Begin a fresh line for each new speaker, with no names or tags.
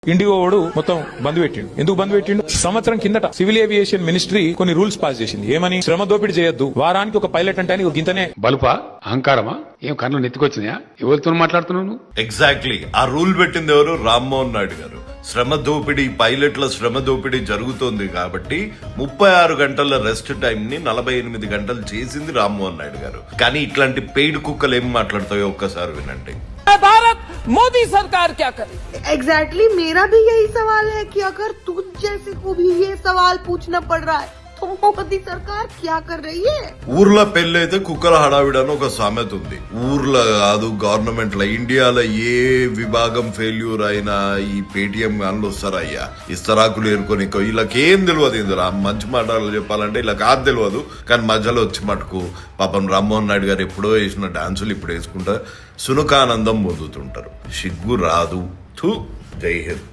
IndiGo వాడు మొత్తం బంద్ పెట్టిండు. ఎందుకు బంద్ పెట్టిండు? సంవత్సరం కిందట సివిల్ ఏవియేషన్ మినిస్ట్రీ కొన్ని రూల్స్ పాస్ చేసింది. ఏమని? శ్రమ దోపిడీ చేయొద్దు, వారానికి ఒక పైలట్ అంటే అని గింతనే.
బలుపా అహంకారమా? ఏం కన్ను నెత్తికొచ్చినాయా? ఎవరితో మాట్లాడుతున్నావు?
ఎగ్జాక్ట్లీ ఆ రూల్ పెట్టింది ఎవరు? రామ్మోహన్ నాయుడు గారు. శ్రమ దోపిడీ, పైలట్ల శ్రమ దోపిడీ జరుగుతోంది కాబట్టి 36 గంటల రెస్ట్ టైం ని 48 గంటలు చేసింది రామ్మోహన్ నాయుడు గారు. కానీ ఇట్లాంటి పెయిడ్ కుక్కలు ఏం మాట్లాడతాయో ఒక్కసారి వినండి.
भारत मोदी सरकार क्या करे?
एग्जैक्टली मेरा भी यही सवाल है कि अगर तुझ जैसे को भी ये सवाल पूछना पड़ रहा है तो मोदी सरकार क्या कर रही है?
ఊర్లో పెళ్ళైతే కుక్కల హడావిడని ఒక సామెత ఉంది. ఊర్లో కాదు, గవర్నమెంట్ లో, ఇండియాలో ఏ విభాగం ఫెయిల్యూర్ అయినా ఈ పేటిఎం గాన్లు వస్తారయ్యా, ఇస్తరాకులు ఏరుకొని. వీళ్ళకేం తెలియదు. ఇందులో మంచి మాటలు చెప్పాలంటే ఇలా కాదు తెలియదు. కానీ మధ్యలో వచ్చి మటుకు పాపం రామ్మోహన్ నాయుడు గారు ఎప్పుడో వేసిన డాన్సులు ఇప్పుడు వేసుకుంటా సునకానందం పొందుతుంటారు. సిగ్గు రాదు. జై హింద్.